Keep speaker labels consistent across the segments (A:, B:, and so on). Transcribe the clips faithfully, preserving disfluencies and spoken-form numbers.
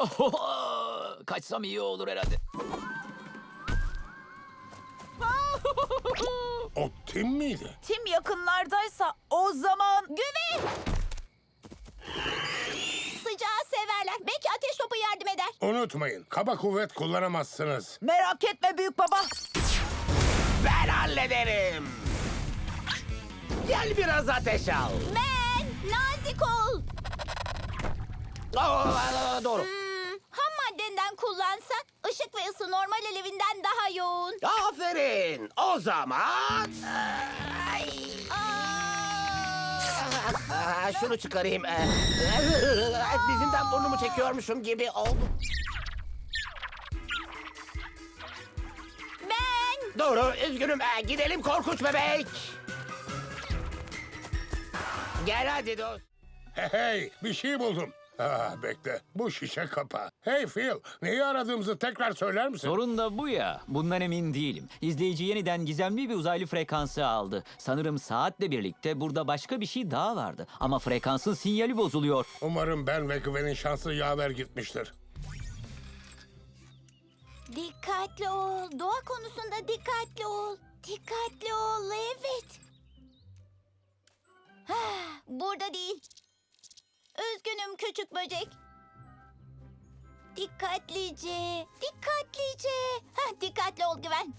A: Kaçsam iyi olur herhalde.
B: O Tim miydi?
C: Tim yakınlardaysa o zaman...
D: Güven! Sıcağı severler. Belki ateş topu yardım eder.
B: Unutmayın, kaba kuvvet kullanamazsınız.
C: Merak etme büyük baba.
E: Ben hallederim. Gel biraz ateş al.
D: Ben nazik ol.
E: Aa, doğru.
D: Hmm, ham maddenden kullansak ışık ve ısı normal alevinden daha yoğun.
E: Aferin. O zaman... Ay.
D: Aa!
E: Aa, şunu çıkarayım. Ee, Dizimden burnumu çekiyormuşum gibi oldu.
D: Ben
E: Doğru, üzgünüm. Ee, gidelim korkunç bebek. Gel hadi dost.
B: Hey hey, bir şey buldum. Aa, bekle, bu şişe kapa. Hey Phil, neyi aradığımızı tekrar söyler misin?
A: Sorun da bu ya. Bundan emin değilim. İzleyici yeniden gizemli bir uzaylı frekansı aldı. Sanırım saatle birlikte burada başka bir şey daha vardı. Ama frekansın sinyali bozuluyor.
B: Umarım ben ve Gwen'in şansı yaver gitmiştir.
D: dikkatli ol. Doğa konusunda dikkatli ol. Dikkatli ol, evet. Hah, burada değil. Üzgünüm küçük böcek. Dikkatlice, dikkatlice. Hah, dikkatli ol Güven.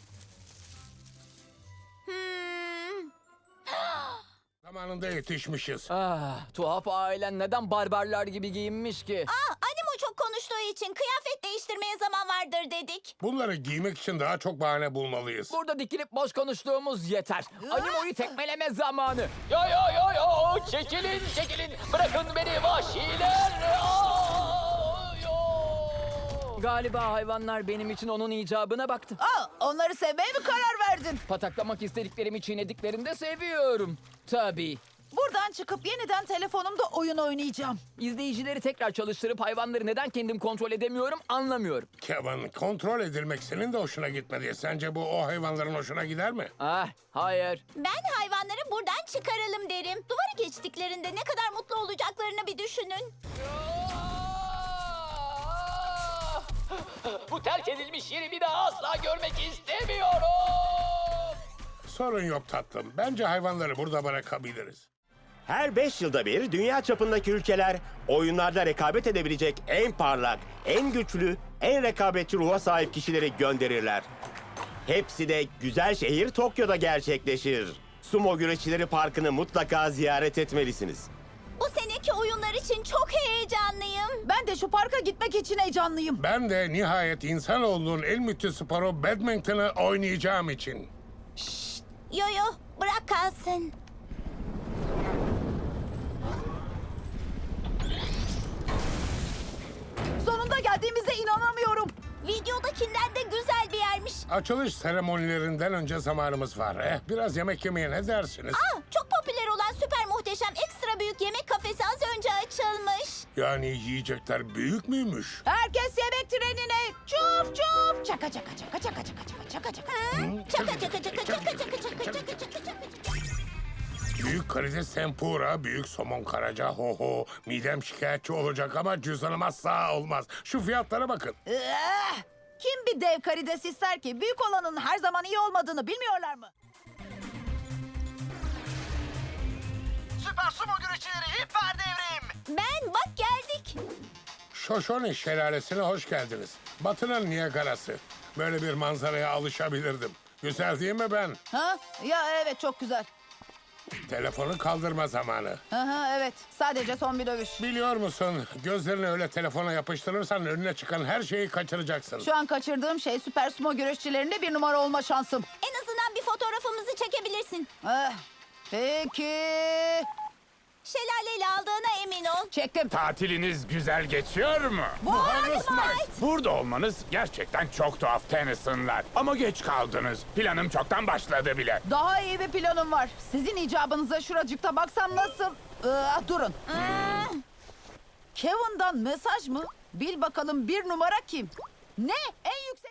D: Hmm.
B: Zamanında yetişmişiz.
A: Ah, tuhaf ailen neden barbarlar gibi giyinmiş ki?
D: Aa, Animo çok konuştuğu için kıyafet değiştirmeye zaman vardır dedik.
B: Bunları giymek için daha çok bahane bulmalıyız.
A: Burada dikilip boş konuştuğumuz yeter. Animo'yu tekmeleme zamanı. Yo yo yo yo, çekilin çekilin. Bırakın beni vahşiler. Aa, yo. Galiba hayvanlar benim için onun icabına baktı.
C: Aa, onları sevmeye mi karar verdin?
A: Pataklamak istediklerimi çiğnediklerinde seviyorum. Tabii.
C: Buradan çıkıp yeniden telefonumda oyun oynayacağım.
A: İzleyicileri tekrar çalıştırıp hayvanları neden kendim kontrol edemiyorum anlamıyorum.
B: Kevin, kontrol edilmek senin de hoşuna gitmedi. Sence bu o hayvanların hoşuna gider mi?
A: Ah, hayır.
D: Ben hayvanları buradan çıkaralım derim. Duvarı geçtiklerinde ne kadar mutlu olacaklarını bir düşünün.
A: Bu terk edilmiş yeri bir daha asla görmek istemiyorum.
B: Sorun yok tatlım. Bence hayvanları burada bırakabiliriz.
F: Her beş yılda bir dünya çapındaki ülkeler oyunlarda rekabet edebilecek en parlak, en güçlü, en rekabetçi ruha sahip kişileri gönderirler. Hepsi de güzel şehir Tokyo'da gerçekleşir. Sumo Güreşçileri Parkı'nı mutlaka ziyaret etmelisiniz.
D: Bu seneki oyunlar için çok heyecanlıyım.
C: Ben de şu parka gitmek için heyecanlıyım.
B: Ben de nihayet insanoğlunun en müthiş sporu badminton'ı oynayacağım için.
D: Yo yo, bırak kalsın.
C: Sonunda geldiğimize inanamıyorum.
D: Videodakinden de güzel bir yermiş.
B: Açılış seremonilerinden önce zamanımız var. Eh, biraz yemek yemeye ne dersiniz?
D: Aa, çok popüler olan süper muhteşem ekstra büyük yemek kafesi az önce açılmış.
B: Yani yiyecekler büyük müymüş?
C: Herkes yemek trenine. Çuf çuf. Çaka çaka çaka çaka çaka çaka çaka çaka.
D: Çaka çaka çaka çaka çaka çaka çaka çaka çaka.
B: Büyük karides tempura, büyük somon karaca, ho ho. Midem şikayetçi olacak ama cüzdanım asla olmaz. Şu fiyatlara bakın.
C: Eh, Kim bir dev karides ister ki? Büyük olanın her zaman iyi olmadığını bilmiyorlar mı?
G: Süper Sumo Güreşçileri hiper devrim.
D: Ben bak geldik.
B: Shoshone şelalesine hoş geldiniz. Batı'nın Niagara'sı. Böyle bir manzaraya alışabilirdim. Güzel değil mi ben?
C: Ha? Ya evet çok güzel.
B: Telefonu kaldırma zamanı.
C: Aha, evet sadece son bir dövüş.
B: Biliyor musun, gözlerini öyle telefona yapıştırırsan önüne çıkan her şeyi kaçıracaksın.
C: Şu an kaçırdığım şey süper sumo güreşçilerinde bir numara olma şansım.
D: En azından bir fotoğrafımızı çekebilirsin.
C: Eh, peki.
D: Şelaleyle aldığına emin ol.
C: Çektim.
H: Tatiliniz güzel geçiyor mu?
D: Vay!
H: Burada olmanız gerçekten çok tuhaf Tennyson'lar. Ama geç kaldınız. Planım çoktan başladı bile.
C: Daha iyi bir planım var. Sizin icabınıza şuracıkta baksam nasıl? Ah, durun. Kevin'dan mesaj mı? Bil bakalım bir numara kim? Ne? En yüksek...